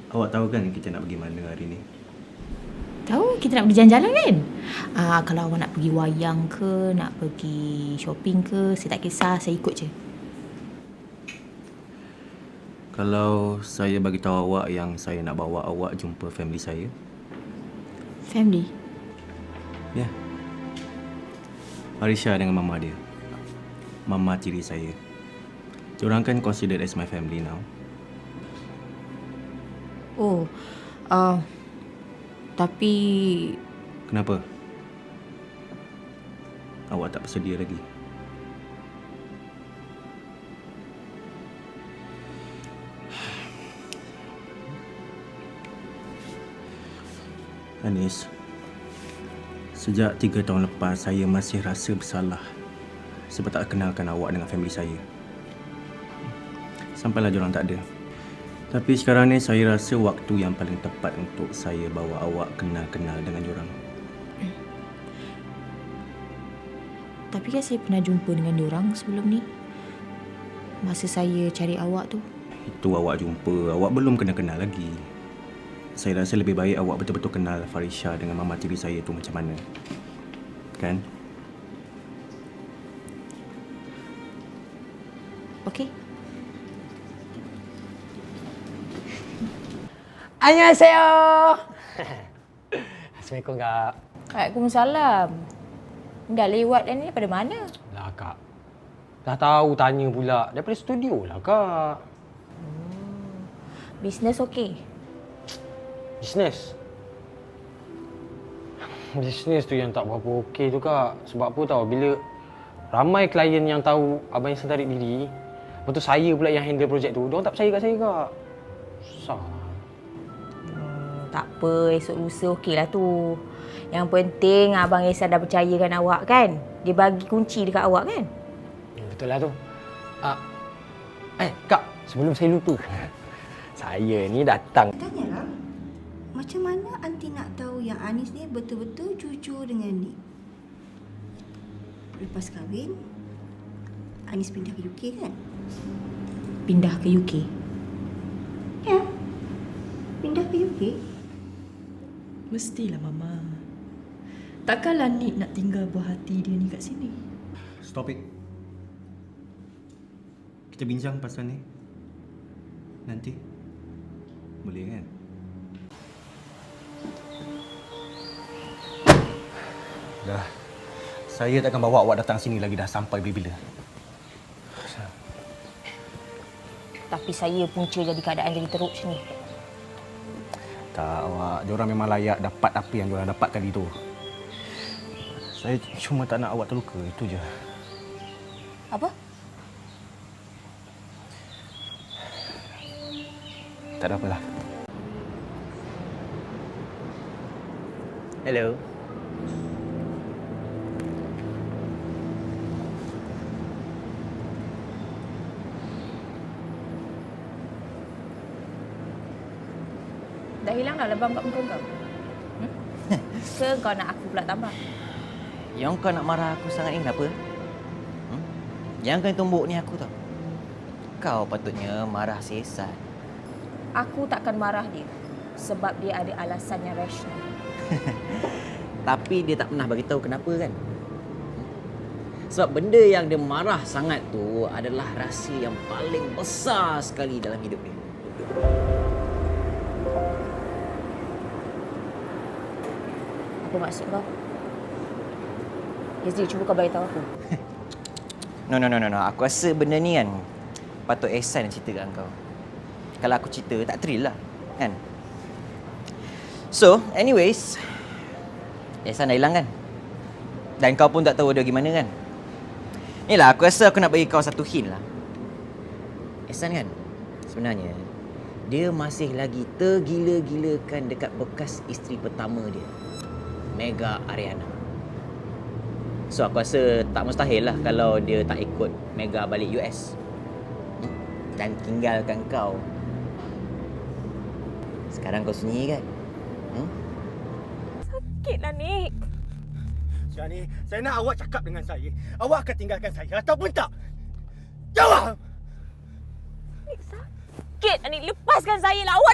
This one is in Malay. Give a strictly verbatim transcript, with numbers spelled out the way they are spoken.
Awak tahu kan kita nak pergi mana hari ni? Tahu, kita nak pergi jalan-jalan kan? Ah, kalau awak nak pergi wayang ke, nak pergi shopping ke, saya tak kisah, saya ikut je. Kalau saya bagi tahu awak yang saya nak bawa awak jumpa family saya. Family? Ya. Yeah. Farisha dengan mama dia. Mama tiri saya. Diorang kan considered as my family now. Oh, uh, tapi... Kenapa? Awak tak bersedia lagi? Anis, sejak tiga tahun lepas saya masih rasa bersalah sebab tak kenalkan awak dengan family saya. Sampailah diorang tak ada. Tapi sekarang ni saya rasa waktu yang paling tepat untuk saya bawa awak kenal-kenal dengan diorang. Tapi kan saya pernah jumpa dengan diorang sebelum ni. Masa saya cari awak tu. Itu awak jumpa, awak belum kena-kenal lagi. Saya rasa lebih baik awak betul-betul kenal Farisha dengan mama tiri saya tu macam mana. Kan? Okey. Annyeonghaseyo. Assalamualaikum, Kak. Waalaikumsalam. Dah lewat dah ni, pada mana? Lah, Kak. Dah tahu tanya pula. Daripada studio lah, Kak. Hmm. Bisnes okey? Bisnes? Bisnes tu yang tak berapa okey tu, Kak. Sebab apa tahu, bila ramai klien yang tahu Abang Ihsan tarik diri, lepas tu saya pula yang handle projek tu, diorang tak percaya kat saya, Kak. Susah. Tak apa, esok lusa okeylah tu. Yang penting Abang Ihsan dah percayakan awak kan? Dia bagi kunci dekat awak kan? Betul lah tu. Ah, eh, Kak, sebelum saya lupa. Saya ni datang. Tanyalah, macam mana Aunty nak tahu yang Anis ni betul-betul jujur dengan Nick? Lepas kahwin, Anis pindah ke U K kan? Pindah ke U K? Ya, pindah ke U K. Mestilah, Mama. Takkanlah Nick nak tinggal buah hati dia ni kat sini. Stop it. Kita bincang pasal ni nanti. Boleh kan? Dah. Saya takkan bawa awak datang sini lagi, dah sampai bila-bila. Tapi saya punca jadi keadaan jadi teruk macam ni. Tak, awak. Diorang memang layak dapat apa yang diorang dapat kali tu. Saya cuma tak nak awak terluka, itu je. Apa? Tak ada apalah. Hello. Dah hilang dah lebam kat muka kau? Hmm? Ke kau nak aku pula tambah? Yang kau nak marah aku sangat ni kenapa? Hmm? Yang kau tumbuk ni aku tau. Kau patutnya marah si Ihsan. Aku takkan marah dia. Sebab dia ada alasan yang rasional. Tapi dia tak pernah bagi tahu kenapa kan? Sebab benda yang dia marah sangat tu adalah rahsia yang paling besar sekali dalam hidup dia. Apa maksud kau? Yazid, cuba kau bagi tahu aku. No, no, no, no, no. Aku rasa benda ni kan patut Ihsan yang cerita kat kau. Kalau aku cerita, tak thrill lah. Kan? So, anyways. Ihsan dah hilang kan? Dan kau pun tak tahu dia gimana kan? Ni lah, aku rasa aku nak bagi kau satu hint lah. Ihsan kan? Sebenarnya, dia masih lagi tergila-gilakan dekat bekas isteri pertama dia. Mega Ariana. So aku rasa tak mustahil lah kalau dia tak ikut Mega balik U S hmm? dan tinggalkan kau. Sekarang kau sunyi kan? Hmm? Sakitlah, Nick. Shani, saya nak awak cakap dengan saya. Awak akan tinggalkan saya ataupun tak? Jawab! Nick, sakit. Nick, lepaskan saya lah. Awak